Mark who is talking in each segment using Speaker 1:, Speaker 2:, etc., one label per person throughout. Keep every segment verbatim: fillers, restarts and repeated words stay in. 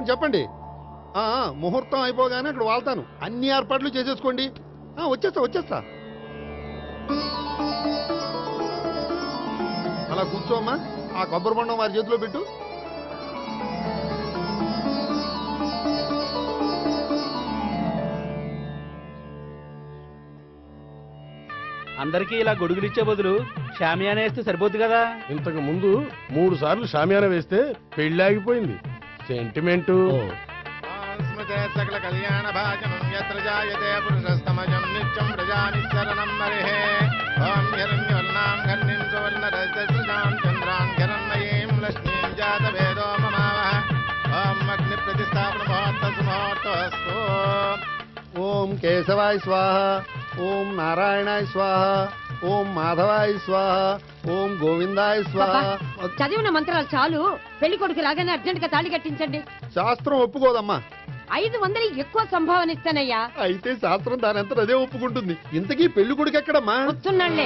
Speaker 1: చెప్పండి చెప్పండి ముహూర్తం అయిపోగానే అక్కడ వాళ్తాను. అన్ని ఏర్పాట్లు చేసేసుకోండి. వచ్చేస్తా వచ్చేస్తా అలా కూర్చోమ్మా. ఆ కొబ్బరి బొండం వారి చేతిలో పెట్టు.
Speaker 2: అందరికీ ఇలా గొడుగులు ఇచ్చే బదులు షామియానా వేస్తే సరిపోద్ది కదా.
Speaker 3: ఇంతకు ముందు మూడు సార్లు షామియానా వేస్తే పెళ్లి ఆగిపోయింది. సెంటిమెంటు.
Speaker 4: సకల కళ్యాణ భాజనం యత్ర జాయతే పురుషస్తమజం నిత్యం ప్రజానిశ్చరణం మరిహే. ఓం హిరణ్యవర్ణాం ఘర్ణిం సువర్ణరజస్రజాం చంద్రాం హిరణ్మయీం లక్ష్మీం జాతవేదో మమావహ. ఓం అగ్ని ప్రతిష్టాపన ముహూర్తస్తు ముహూర్తస్తు.
Speaker 1: ఓం కేశవాయ స్వాహ. ఓం నారాయణాయ స్వాహ. ఓం మాధవాయ స్వాహ. ఓం గోవిందాయ స్వాహ.
Speaker 5: చదివిన మంత్రాలు చాలు. పెళ్లి కొడుకు రాగానే అర్జెంట్ గా తాళి కట్టించండి.
Speaker 1: శాస్త్రం ఒప్పుకోదమ్మా.
Speaker 5: ఐదు వందలు ఎక్కువ సంభావన ఇస్తానయ్యా.
Speaker 1: అయితే శాస్త్రం దానంతా అదే ఒప్పుకుంటుంది. ఇంతకీ పెళ్లి కొడుకు ఎక్కడమ్మా?
Speaker 5: వస్తున్నాళ్లే.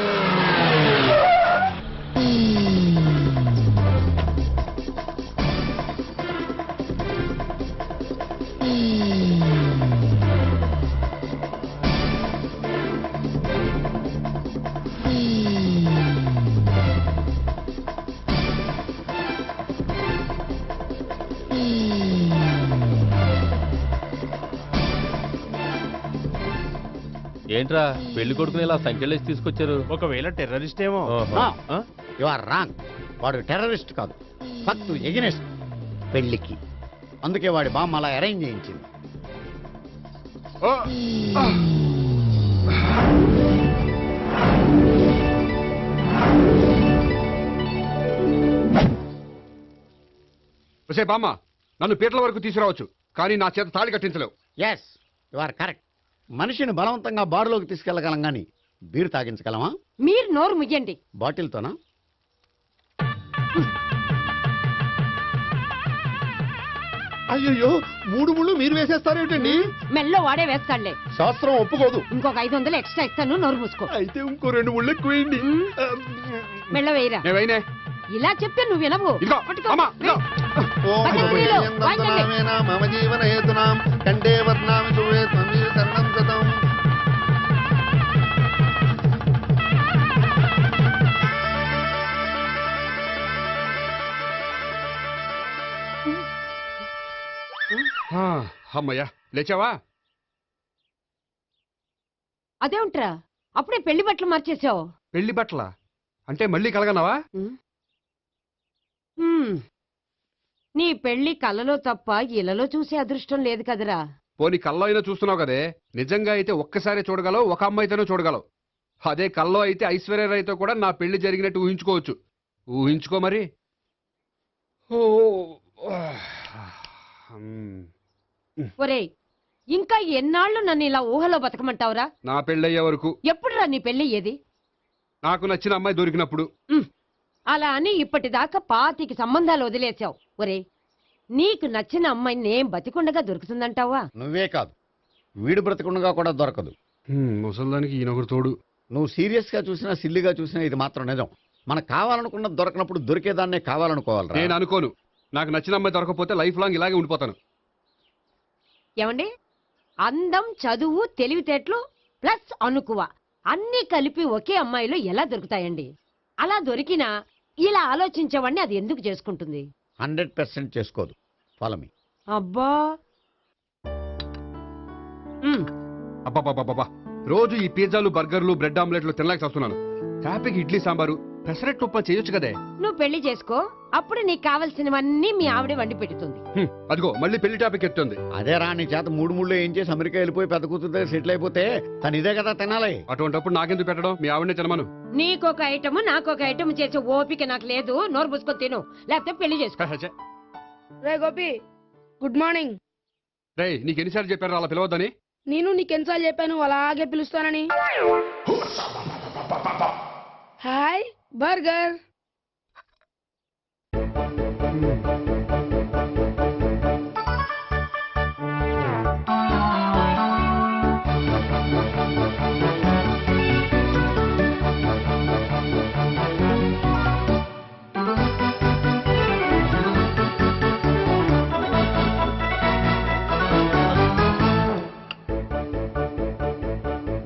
Speaker 6: ఏంట్రా పెళ్లి కొడుకుని ఇలా సంఖ్యలేసి తీసుకొచ్చారు?
Speaker 2: ఒకవేళ టెర్రరిస్ట్ ఏమో.
Speaker 7: You are wrong. వాడు టెర్రరిస్ట్ కాదు, ఫక్తు ఎగనెస్ట్ పెళ్లికి. అందుకే వాడి బామ్మ అలా అరేంజ్ చేయించింది.
Speaker 3: బామ్మ నన్ను పీటల వరకు తీసుకురావచ్చు, కానీ నా చేత తాళి కట్టించలేవు.
Speaker 7: Yes you are correct. మనిషిని బలవంతంగా బారులోకి తీసుకెళ్లగలం గాని బీరు తాగించగలమా?
Speaker 5: మీరు నోరు ముయ్యండి.
Speaker 7: బాటిల్తోనా?
Speaker 1: అయ్యో మూడు ముళ్ళు మీరు వేసేస్తారేమిటండి?
Speaker 5: మెల్లో వాడే వేస్తాడులే.
Speaker 1: శాస్త్రం ఒప్పుకోదు.
Speaker 5: ఇంకొక ఐదు వందలు ఎక్స్ట్రా ఇస్తాను. నోరు మూసుకో.
Speaker 1: అయితే ఇంకో రెండు ముళ్ళు ఎక్కువ వేయండి.
Speaker 5: మెల్ల వేయరా. ఇలా చెప్తే నువ్వు వినవు.
Speaker 1: మమ జీవన హేతునాం కంటే వర్ణామి చూడే తరుణం గతం.
Speaker 3: అమ్మయ్యా లేచావా?
Speaker 5: అదేంట్రా అప్పుడే పెళ్లి బట్టలు మార్చేసావు?
Speaker 3: పెళ్లి బట్టల అంటే మళ్ళీ కలగన్నావా?
Speaker 5: నీ పెళ్లి కలలో తప్ప ఇలలో చూసే అదృష్టం లేదు కదరా.
Speaker 3: పోనీ కల్లో అయినా చూస్తున్నావు కదే. నిజంగా అయితే ఒక్కసారి చూడగలవు, ఒక అమ్మాయితోనే చూడగలవు. అదే కల్లో అయితే ఐశ్వర్యరాయ్తో కూడా నా పెళ్లి జరిగినట్టు ఊహించుకోవచ్చు. ఊహించుకో మరి.
Speaker 5: ఒరేయ్ ఇంకా ఎన్నాళ్ళు నన్ను ఇలా ఊహలో బతకమంటావురా?
Speaker 3: నా పెళ్ళయ్యే వరకు.
Speaker 5: ఎప్పుడురా నీ పెళ్లి ఏది?
Speaker 3: నాకు నచ్చిన అమ్మాయి దొరికినప్పుడు.
Speaker 5: అలా అని ఇప్పటిదాకా పాతికి సంబంధాలు వదిలేసావు. ఒరే నీకు నచ్చిన అమ్మాయి నేను బతికుండగా దొరుకుతుందంటావా?
Speaker 7: నువ్వే కాదు, వీడు బ్రతికుండగా కూడా దొరకదు.
Speaker 3: ముసల్దానికి ఈయనొకరు తోడు.
Speaker 7: నువ్వు సీరియస్ గా చూసినా సిల్లిగా చూసినా ఇది మాత్రం నిజం. మనకు కావాలనుకున్నది దొరకనప్పుడు దొరికేదాన్నే కావాలనుకోవాలి.
Speaker 3: నేను అనుకోను. నాకు నచ్చిన అమ్మాయి దొరకపోతే లైఫ్ లాంగ్ ఇలాగే ఉండిపోతాను.
Speaker 5: ఏమండి, అందం, చదువు, తెలివితేటలు ప్లస్ అనుకువ అన్ని కలిపి ఒకే అమ్మాయిలో ఎలా దొరుకుతాయండి? అలా దొరికినా ఇలా ఆలోచించేవాడిని అది ఎందుకు చేసుకుంటుంది?
Speaker 7: హండ్రెడ్ పర్సెంట్ చేసుకోదు. Follow me.
Speaker 5: అబ్బా
Speaker 3: అబ్బాబాబా రోజు ఈ పిజ్జాలు, బర్గర్లు, బ్రెడ్ ఆమ్లెట్లు తినలేక వస్తున్నాను. హ్యాపీకి ఇడ్లీ సాంబారు, పెసరెట్ ఉప్మా చేయొచ్చు కదే.
Speaker 5: నువ్వు పెళ్లి చేసుకో, అప్పుడు నీకు కావలసినవన్నీ మీ ఆవిడే వండి పెడుతుంది.
Speaker 3: అదిగో మళ్ళీ పెళ్లి టాపిక్ ఎత్తుంది.
Speaker 7: అదే రా, నీ చేత మూడు మూడు ఏం చేసి అమెరికా వెళ్ళిపోయి పెద్ద కూతురు సెటిల్ అయిపోతే తను ఇదే కదా తినాలి.
Speaker 3: అటువంటిప్పుడు నాకెందుకు పెట్టడం? మీ ఆవిడనే తినమను.
Speaker 5: నీకొక ఐటమ్ నాకొక ఐటమ్ చేసే ఓపిక నాకు లేదు. నోరు పుసుకొని తిను, లేకపోతే పెళ్లి చేసుకో.
Speaker 8: రే గోపి, గుడ్ మార్నింగ్.
Speaker 3: రే నీకు ఎన్నిసార్లు చెప్పారు అలా పిలవద్దని?
Speaker 8: నేను నీకెన్నిసార్లు చెప్పాను అలాగే పిలుస్తానని. Hi burger.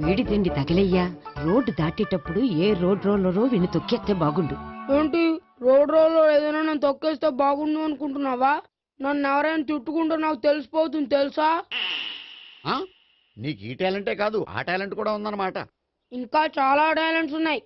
Speaker 5: వేడి తిండి తగిలయ్యా. రోడ్డు దాటేటప్పుడు ఏ రోడ్ రోలరో విని తొక్కేస్తే బాగుండు.
Speaker 8: ఏంటి రోడ్ రోల్లో ఏదైనా నేను తొక్కేస్తే బాగుండు అనుకుంటున్నావా? నన్ను ఎవరైనా తిట్టుకుంటే నాకు తెలిసిపోతుంది తెలుసా?
Speaker 7: ఆ? నీకు ఈ టాలెంటే కాదు ఆ టాలెంట్ కూడా ఉందన్నమాట.
Speaker 8: ఇంకా చాలా టాలెంట్స్ ఉన్నాయి.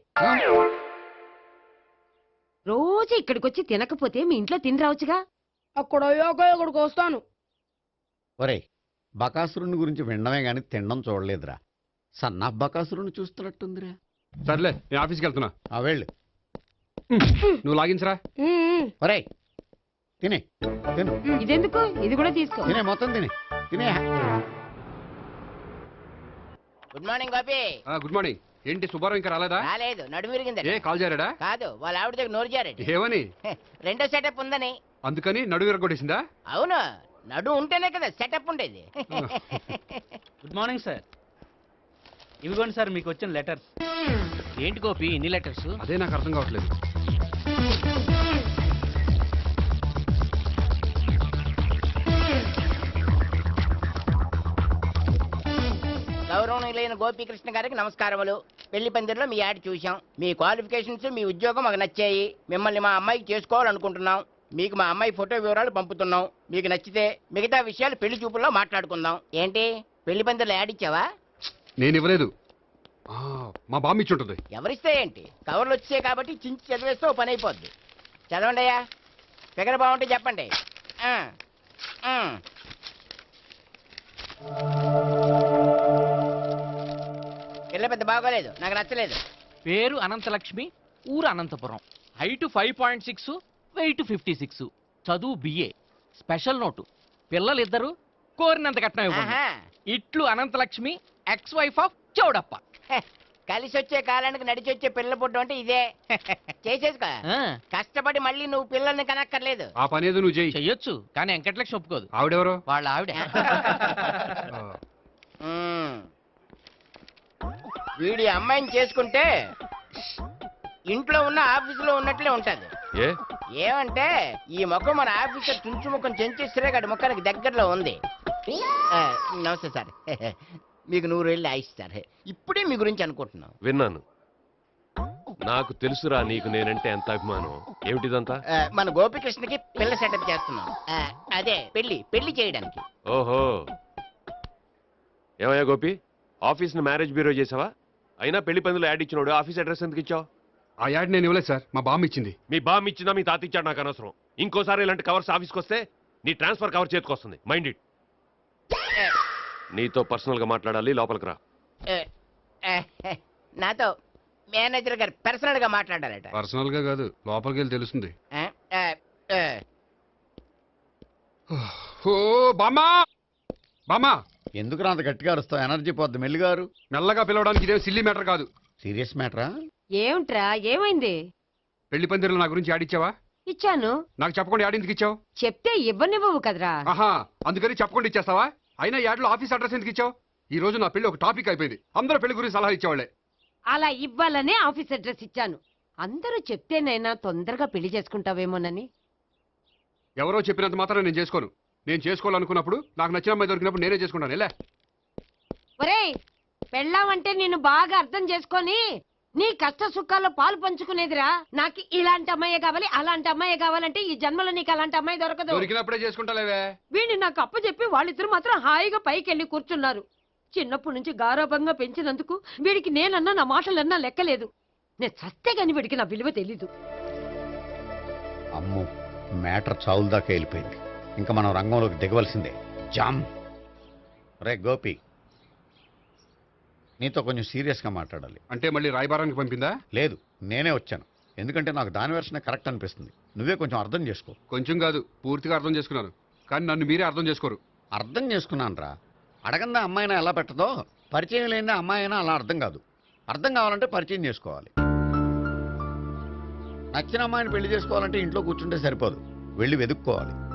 Speaker 5: రోజు ఇక్కడికొచ్చి తినకపోతే మీ ఇంట్లో తిని రావచ్చుగా.
Speaker 8: అక్కడ అయ్యాక ఇక్కడికి వస్తాను.
Speaker 7: ఒరేయ్, బకాసురుని గురించి వినడమే గాని తినడం చూడలేదురా. సన్నా బకాసురుని చూస్తున్నట్టుందిరా.
Speaker 3: సర్లే నేను ఆఫీస్కి వెళ్తున్నా.
Speaker 7: ఆ వెళ్ళు.
Speaker 3: నువ్వు లాగించరా.
Speaker 8: ఉమ్,
Speaker 7: ఒరేయ్ తినే తిను
Speaker 5: ఇదెందుకు? ఇది కూడా తీసుకో.
Speaker 7: తినే మొత్తం తినే తినే.
Speaker 9: Good morning Gopi.
Speaker 3: ఆ, గుడ్ మార్నింగ్. ఏంటి సుబ్బారావు ఇంకా రాలేదా?
Speaker 9: రాలేదు, నడుము విరిగిందట.
Speaker 3: ఏ కాల్ చేరాడా?
Speaker 9: కాదు, వాళ్ళ ఆవిడ దగ్గర నోరు జారట.
Speaker 3: ఏమని?
Speaker 9: రెండో సెటప్ ఉందని.
Speaker 3: అందుకని నడుగు విరగొట్టేసిందా?
Speaker 9: అవును, నడు ఉంటేనే కదా సెటప్ ఉండేది.
Speaker 2: Good morning sir. ఇవిగోండి సార్ మీకు వచ్చిన లెటర్స్.
Speaker 6: ఏంటి గోపి ఇన్ని లెటర్స్?
Speaker 3: అదే నాకు అర్థం కావట్లేదు.
Speaker 9: గౌరవనీయులైన గోపీకృష్ణ గారికి నమస్కారములు. పెళ్లి పందిరిలో మీ యాడ్ చూశాం. మీ క్వాలిఫికేషన్స్, మీ ఉద్యోగం మాకు నచ్చాయి. మిమ్మల్ని మా అమ్మాయికి చేసుకోవాలనుకుంటున్నాం. మీకు మా అమ్మాయి ఫోటో వివరాలు పంపుతున్నాం. మీకు నచ్చితే మిగతా విషయాలు పెళ్లి చూపుల్లో మాట్లాడుకుందాం. ఏంటి పెళ్లి పందిరిలో యాడ్ ఇచ్చావా?
Speaker 3: నేను ఇవ్వలేదు. ఆ, మా బామ్మ ఇచ్చి ఉంటుంది.
Speaker 9: ఎవరిస్తే ఏంటి, కవర్లు వచ్చాయి కాబట్టి చించి చదివేస్తే ఓ పని అయిపోద్ది. చదవండి అయ్యా, ఫిగర్ బాగుంటే చెప్పండి. ఆ, ఆ. పిల్ల పెద్ద బాగోలేదు, నాకు నచ్చలేదు.
Speaker 6: పేరు అనంతలక్ష్మి, ఊరు Anantapuram, height five point six, weight fifty six, చదువు బిఏ. స్పెషల్ నోటు, పిల్లలిద్దరు కోరినంత కట్నం ఇవ్వండి.
Speaker 9: ఆహా.
Speaker 6: ఇట్లు Anantalakshmi, ex wife of Choudappa.
Speaker 9: హె, కలిసి వచ్చే కాలానికి నడిచి వచ్చే పిల్ల పుట్టు అంటే ఇదే. చేసేసుకో,
Speaker 6: ఆ,
Speaker 9: కష్టపడి మళ్ళీ నువ్వు పిల్లల్ని కనక్కర్లేదు.
Speaker 3: ఆ పని ఏదో నువ్వు చెయ్యి.
Speaker 6: చెయ్యొచ్చు కానీ వెంకటలక్ష్మి ఒప్పుకోదు.
Speaker 3: ఆవిడెవరో?
Speaker 6: వాళ్ళ ఆవిడ.
Speaker 3: ఆ,
Speaker 9: మ్మ్. వీడి అమ్మాయిని చేసుకుంటే ఇంట్లో ఉన్న ఆఫీసులో ఉన్నట్లే ఉంటది.
Speaker 6: ఏ
Speaker 9: ఏమంటే ఈ ముఖం మన ఆఫీసర్ తుంచు ముఖం చెంచేశ్వరే గడి ముఖానికి దగ్గరలో ఉంది. ఆ, నమస్తే సార్. మీకు నూరు వెళ్ళి ఆయిస్ సార్. ఇప్పుడే మీ గురించి అనుకుంటున్నాం.
Speaker 10: విన్నాను. నాకు తెలుసురా నీకు నేనంటే ఎంత అభిమానం. ఏమిటిదంతా?
Speaker 9: ఆ, మన గోపికృష్ణకి పిల్ల సెటప్ చేస్తున్నాం. ఆ, అదే పెళ్లి పెళ్లి చేయడానికి.
Speaker 10: ఓహో, ఏమయ్యా గోపి, ఆఫీస్ ను మ్యారేజ్ బ్యూరో చేసావా? అయినా పెళ్లి పందులు యాడ్ ఇచ్చినోడు ఆఫీస్ అడ్రస్ ఎందుకు ఇచ్చావు?
Speaker 3: ఆ యాడ్ నేను ఇవ్వలేదు సార్, మా బామ్మ ఇచ్చింది.
Speaker 10: మీ బామ్ ఇచ్చిందా మీ తాత ఇచ్చాడు నాకు అనవసరం. ఇంకోసారి ఇలాంటి కవర్స్ ఆఫీస్కి వస్తే నీ ట్రాన్స్ఫర్ కవర్ చేతికొస్తుంది. Mind it. నీతో పర్సనల్ గా మాట్లాడాలి, లోపలికి రా.
Speaker 9: ఆ, ఆ, నాతో మేనేజర్ గారు పర్సనల్ గా మాట్లాడాలట.
Speaker 3: పర్సనల్ గా కాదు, లోపలికి వెళ్ళి తెలుస్తుంది.
Speaker 9: ఆ, ఆ, ఆ.
Speaker 3: ఓ బామ్మా, బామ్మా,
Speaker 7: ఎందుకు అంత గట్టిగా అరుస్తావు? ఎనర్జీ పోద్ది. మెల్లిగారు
Speaker 3: మెల్లగా పిలవడానికి ఇదేం సిల్లీ మ్యాటర్ కాదు.
Speaker 7: సీరియస్ మ్యాటరా?
Speaker 5: ఏమిట్రా, ఏమైంది?
Speaker 3: పెళ్లి పందిరిలో నా గురించి యాడ్ ఇచ్చావా?
Speaker 5: ఇచ్చాను.
Speaker 3: నాకు చెప్పకుండా యాడ్ ఎందుకు ఇచ్చావు?
Speaker 5: చెప్తే ఇవ్వనివ్వవు కదరా.
Speaker 3: ఆహా, అందుకని చెప్పకుండా ఇచ్చేస్తావా? అయినా యాడ్లో ఆఫీస్ అడ్రస్ ఎందుకు ఇచ్చావు? ఈ రోజు నా పెళ్లి ఒక టాపిక్ అయిపోయింది. అందరూ పెళ్లి గురించి సలహా ఇచ్చేవాళ్లే.
Speaker 5: అలా ఇవ్వాలనే ఆఫీస్ అడ్రస్ ఇచ్చాను. అందరూ చెప్తేనైనా తొందరగా పెళ్లి చేసుకుంటావేమోనని.
Speaker 3: ఎవరో చెప్పినంత మాత్రం నేను చేసుకోను. నేను చేసుకోవాలనుకున్నప్పుడు నాకు నచ్చిన అమ్మాయి దొరికినప్పుడు నేనే చేసుకుంటాను. ఎలా?
Speaker 5: ఒరేయ్, పెళ్ళామంటే నిన్ను బాగా అర్థం చేసుకొని నీ కష్ట సుఖాల్లో పాలు పంచుకునేదిరా. నాకు ఇలాంటి అమ్మాయి కావాలి, అలాంటి అమ్మాయి కావాలంటే ఈ జన్మలో నీకు అలాంటి అమ్మాయి దొరకదు.
Speaker 3: దొరికినప్పుడే చేసుకుంటాలేవే.
Speaker 5: వీడిని నాకు అప్పచెప్పి వాళ్ళిద్దరు మాత్రం హాయిగా పైకి వెళ్ళి కూర్చున్నారు. చిన్నప్పటి నుంచి గారాభంగా పెంచినందుకు వీడికి నేనన్నా నా మాటలన్నా లెక్కలేదు. నేను చస్తే గాని వీడికి నా విలువ తెలీదు.
Speaker 7: అమ్ము, మ్యాటర్ చావుల దాకా వెళ్ళిపోయింది. ఇంకా మనం రంగంలోకి దిగవలసిందే. జామ్. రే గోపి, నీతో కొంచెం సీరియస్గా మాట్లాడాలి.
Speaker 3: అంటే మళ్ళీ రాయబారానికి పంపిందా?
Speaker 7: లేదు, నేనే వచ్చాను. ఎందుకంటే నాకు దాని వెర్షనే కరెక్ట్ అనిపిస్తుంది. నువ్వే కొంచెం అర్థం చేసుకో.
Speaker 3: కొంచెం కాదు, పూర్తిగా అర్థం చేసుకున్నాను. కానీ నన్ను మీరే అర్థం చేసుకోరు.
Speaker 7: అర్థం చేసుకున్నాను రా. అడగందా అమ్మాయినా ఎలా పెట్టదో, పరిచయం లేని అమ్మాయి అయినా అలా అర్థం కాదు. అర్థం కావాలంటే పరిచయం చేసుకోవాలి. నచ్చిన అమ్మాయిని పెళ్లి చేసుకోవాలంటే ఇంట్లో కూర్చుంటే సరిపోదు, వెళ్ళి వెతుక్కోవాలి.